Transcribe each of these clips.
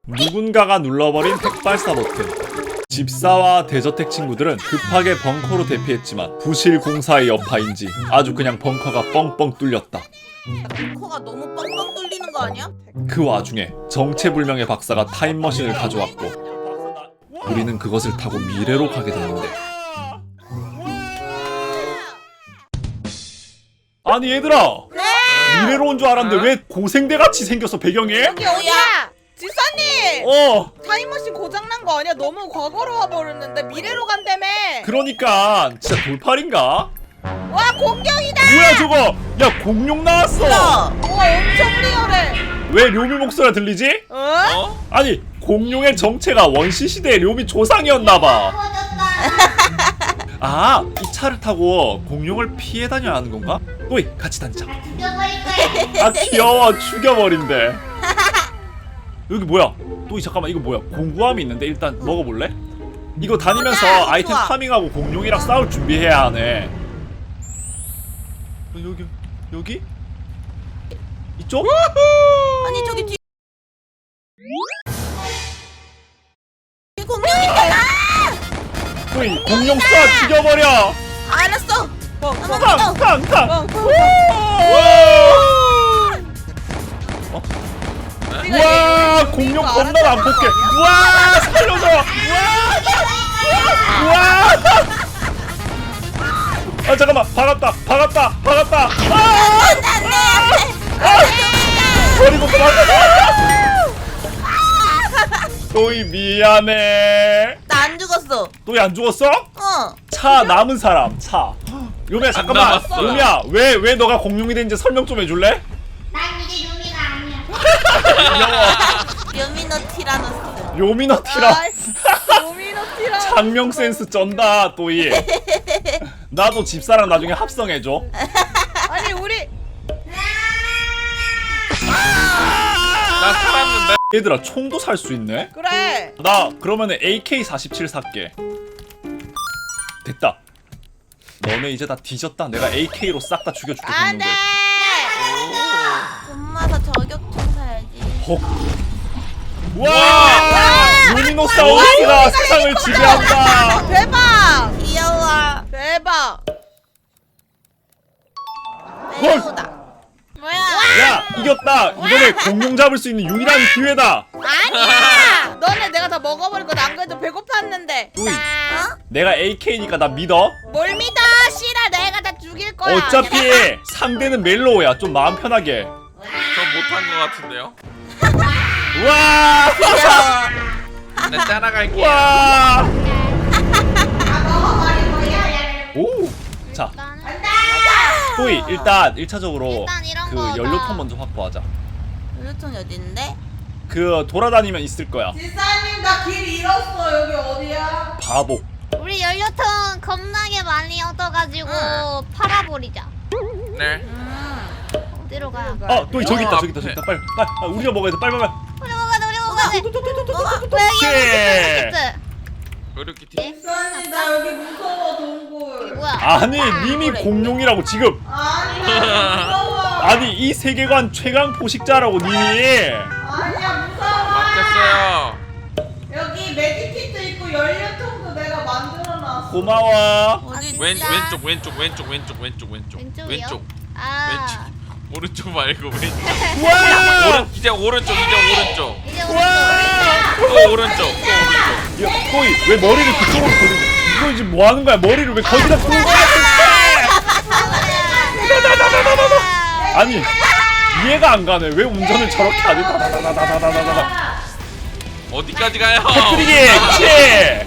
누군가가 눌러버린 핵발사 버튼. 집사와 대저택 친구들은 급하게 벙커로 대피했지만 부실 공사의 여파인지 아주 그냥 벙커가 뻥뻥 뚫렸다. 벙커가 너무 뻥뻥 뚫리는 거 아니야? 그 와중에 정체불명의 박사가 타임머신을 가져왔고 우리는 그것을 타고 미래로 가게 됐는데, 아니 얘들아, 미래로 온 줄 알았는데 왜 고생대같이 생겼어 배경이? 여기 어디야? 집사님! 타임머신 고장난 거 아니야? 너무 과거로 와버렸는데 미래로 간다며. 그러니까 진짜 돌팔인가? 와, 공룡이다! 뭐야 저거? 야, 공룡 나왔어. 와, 엄청 리얼해. 왜 료미 목소리가 들리지? 어? 아니, 공룡의 정체가 원시시대의 료미 조상이었나봐. 아, 이 차를 타고 공룡을 피해 다녀야 하는 건가? 또이, 같이 다니자. 죽여버릴 거야. 아, 귀여워. 죽여버린대. 여기 뭐야? 또이, 잠깐만, 이거 뭐야? 공구함이 있는데 일단 먹어볼래? 이거 다니면서 아이템 좋아. 파밍하고 공룡이랑 싸울 준비해야 하네. 여기? 이쪽? 아니, 저기 뒤 공룡이잖아! 또이, 공룡 쏴 죽여버려. 알았어. 탕! 우와, 공룡 겁나 안 뽑게. 우와, 살려줘. 우와. 아, 잠깐만. 박았다. 버리고 도망가. 또이, 미안해. 나 안 죽었어. 또이 안 죽었어? 어. 차 남은 사람. 차. 요미야, 잠깐만. 남았어요. 요미야, 왜 너가 공룡이 된지 설명 좀 해줄래? 난 이제 요미가 아니야. 여미너 티라노스. 요미너티라. 여미너 티라노스. 장명 센스 쩐다, 또이. 나도 집사랑 나중에 합성해줘. 아니, 우리 나 살았는데. 얘들아, 총도 살 수 있네? 그래. 나 그러면은 AK-47 살게. 됐다. 너네 이제 다 뒤졌다. 내가 AK로 싹 다 죽여줄게, 안 돼. 공룡들. 돈 모아서 저격총 사야지. 헉. 와! 루미노사우루스가 세상을 지배한다. 대박. 귀여워. 대박. 배우다. 뭐야? 야, 이겼다. 이번에 공룡 잡을 수 있는 유일한 기회다. 아니야. 너네 내가 다 먹어버릴 거안 그래도 배고팠는데. 또이, 어? 내가 AK니까 나 믿어. 뭘 믿어? 싫어. 내가 다 죽일 거야. 어차피 상대는 멜로우야. 좀 마음 편하게. 저 못한 거 같은데요? 우와! 네, 따라갈게요. 와! 먹어버릴 거야. 오! 자, 또이, 일단 1차적으로 일단 이런 그 거다. 연료통 먼저 확보하자. 연료통이 어디 있는데? 그 돌아다니면 있을 거야. 지사님 나 길 잃었어. 여기 어디야? 바보. 우리 연료통 겁나게 많이 얻어가지고 응. 팔아버리자. 네. 어디로 가? 또이, 저기 있다. 어, 저기 있다. 앞에. 빨리. 우리가 먹어야 돼. 빨리. 우리 먹어야 돼. 우리 먹어야 돼. 어? 왜 여기 오케이. 있어? 의료키티. 지사님 나 여기 무서워 동굴. 뭐야? 아니, 님이 공룡이라고 지금. 아니야 무서워. 아니, 이 세계관 최강 포식자라고 님이. 아니야 무서워. 맞겠어요. 여기 매직키트 있고 연료통도 내가 만들어놨어. 고마워. 어디? 왼쪽. 왼쪽이요? 아. 오른쪽 말고 왼쪽. 우와! 이제 오른쪽. 이제 우와! 또 오른쪽. 야, 또이, 왜 머리를 그쪽으로 돌리고? 이거 지금 뭐 하는 거야? 머리를 왜 거기다 두는 거야? 아니, 이해가 안 가네. 왜 운전을 저렇게 하지? 다다다다다다다다다. 어디까지 가요? 터뜨리기! 그치!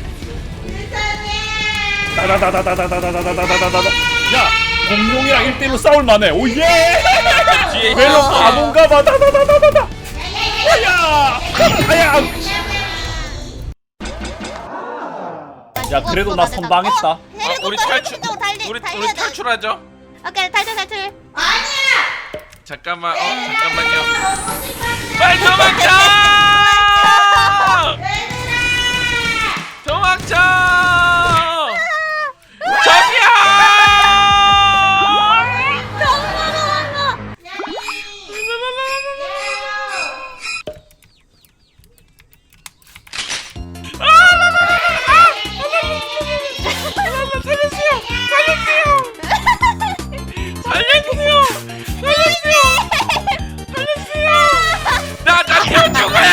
다다다다다다다다다다다다다. 야, 공룡이랑 1대1로 싸울 만해. 오, 예! 뒤에 멜로 있어. 바본가 봐. 다다다다다다. 아야! 아야! 야, 그래도 나 선방했다. 아, 우리 탈출. 우리 탈출하죠. 오케이 탈출. 잠깐만요. 빨리 도망쳐! 도망쳐! 저기야!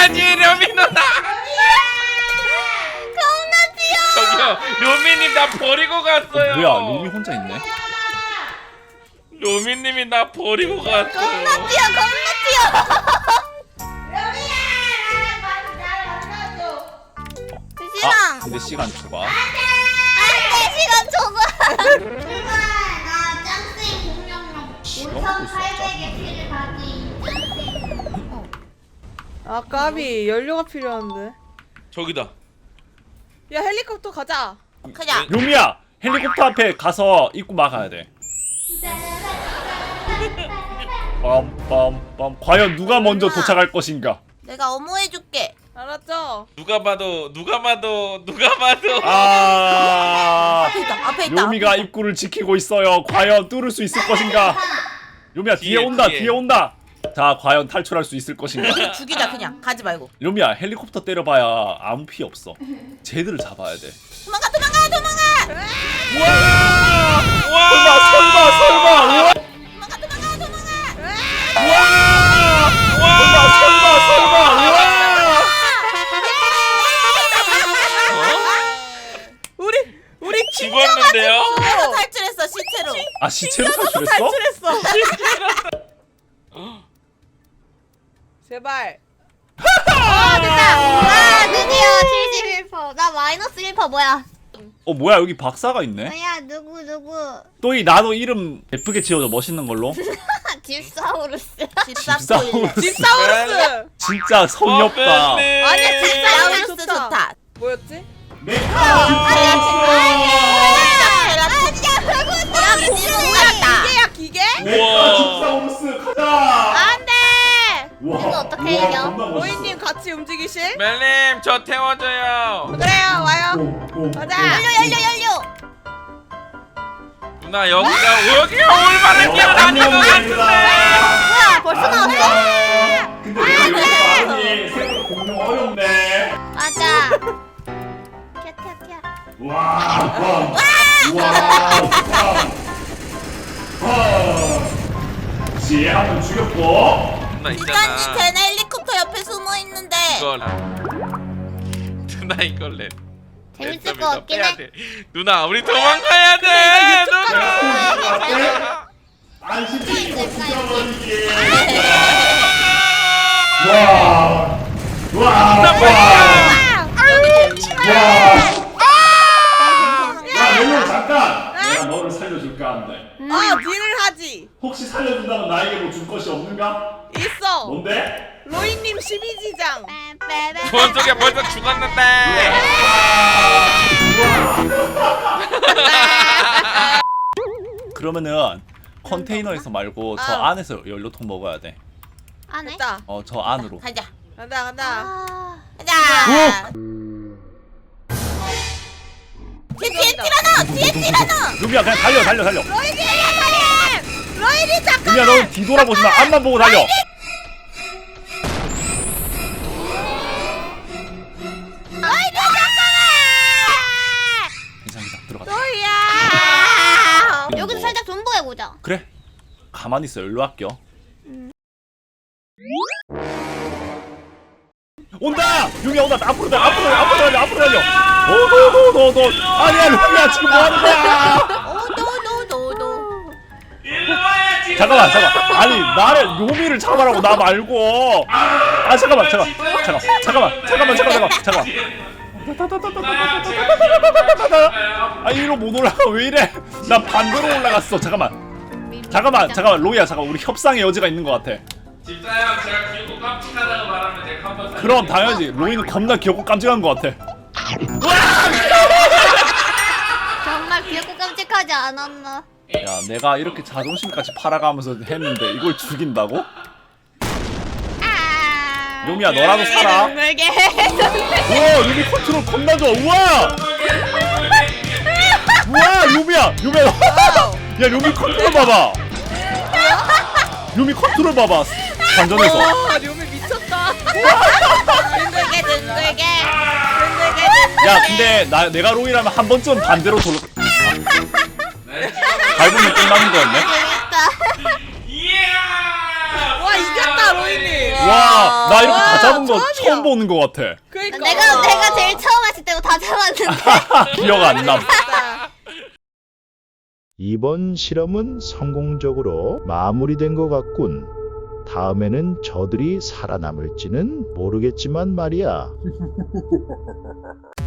가야지 료미 누나. 겁나 뛰어. 저기요 료미님 나 버리고 갔어요. 뭐야 룸이 혼자 있네. 료미님이 나 버리고 갔어. 겁나 뛰어. 겁나 뛰어. 아 시랑. 근데 시간 초과. 안돼 시간 줘봐. 나 짱생 공룡용 시간 먹고 있어. 5,800의 피를 가진 짱생. 아 까비 연료가 필요한데. 저기다. 야 헬리콥터 가자. 그냥. 요미야 헬리콥터 앞에 가서 입구 막아야 돼. 빰빰빰. 과연 누가 먼저 도착할 것인가? 내가 어머해줄게. 알았죠? 누가 봐도 아 앞에 요미가 입구를 지키고 있어요. 과연 뚫을 수 있을 것인가? 요미야 뒤에 뒤에, 온다. 뒤에. 뒤에 온다. 자 과연 탈출할 수 있을 것인가? 죽이자 그냥. 가지 말고. 요미야 헬리콥터 때려봐야 아무 피 없어. 쟤들을 잡아야 돼. 도망가. 설마. 우와. 설마. 우와. 우리 죽었는데요? 탈출했어 시체로. 아 시체로 탈출했어? 탈출했어. 제발. 와 드디어 71%. 나 마이너스 1% 뭐야? 어 뭐야 여기 박사가 있네. 뭐야 누구? 또이 나도 이름 예쁘게 지어줘 멋있는 걸로. 딥사우루스. 집사우루스. 집사우루스. 진짜 성의 없다. 아니야 집사우루스 집사우루스 좋다. 뭐였지? 기계야 기계? 우와. 집사우루스 가자. 안돼. 이거 어떻게 이겨? 로이님 같이 움직이실? 멜님 저 태워줘요. 그래요 와요. 가자. 열려. 누나 여기가 올바른 길은 아닌 것 같은데. 뭐야 벌써 나왔어? 근데 왜 많이 생각 공룡 어렵네. 맞아. 튀어. 와. 지혜 한번 죽였고. 누나 있잖아. 쟤네 헬리콥터 옆에 숨어 있는데. 이걸. 누나 이걸래. 재밌을 것 같긴 해. 누나 우리 도망가야 돼. 누나. 안심이 재밌을까 야 멜론 잠깐. 내가 너를 살려줄까 한데. 딜을 하지. 혹시 살려준다면 나에게 뭐 줄 것이 없는가? 있어. 뭔데? 로이님 12지장. 뭔 소리야 벌써 죽었는데. 그러면은 컨테이너에서 말고 저 아. 안에서 연료통 먹어야 돼. 안 해? 됐다. 저 안으로. 가자. 간다. 가자. 뒤에 티라노. 루비야 그냥 달려. 로이님 잠깐. 루비야 너 뒤돌아보지 마. 앞만 보고 달려. 괜찮아 들어가자. 로이야. 여기서 살짝 존버해보자. 그래. 가만히 있어. 연료 아껴. 온다! 유미야 온다! 앞으로 달려! 너 아니야 루미야 지금 뭐하는 거야! 일로 와야지. 잠깐만 아니 나를 요미를 잡아라고 나 말고 잠깐만 이리로 못 올라가 왜 이래 나 반대로 올라갔어 잠깐만 로이야 우리 협상의 여지가 있는 것 같아. 집사형 제가 귀엽고 깜찍하다고 말하면 제가 한번 그럼 당연하지 로이는 겁나 귀엽고 깜찍한 것 같아. 정말 귀엽고 깜찍하지 않았나? 야 내가 이렇게 자존심까지 팔아가면서 했는데 이걸 죽인다고? 요미야 너라도 살아. 물게. 우와 요미 컨트롤 겁나 좋아. 우와 요미야 야 요미 컨트롤 봐봐. 요미 컨트롤 봐봐 관전에서. 와 료미 미쳤다. 둥글게. 야 근데 내가 로이라면 한 번쯤 반대로 돌려 밟으면 끝나는 거였네. 재밌다. 이야. 와 이겼다 로이님. 와, 나 이렇게 다 잡은 거 처음이야. 처음 보는 거 같아. 그러니까. 내가 제일 처음 했을 때도 다 잡았는데. 기억 안 남. 진짜. 이번 실험은 성공적으로 마무리된 것 같군. 다음에는 저들이 살아남을지는 모르겠지만 말이야.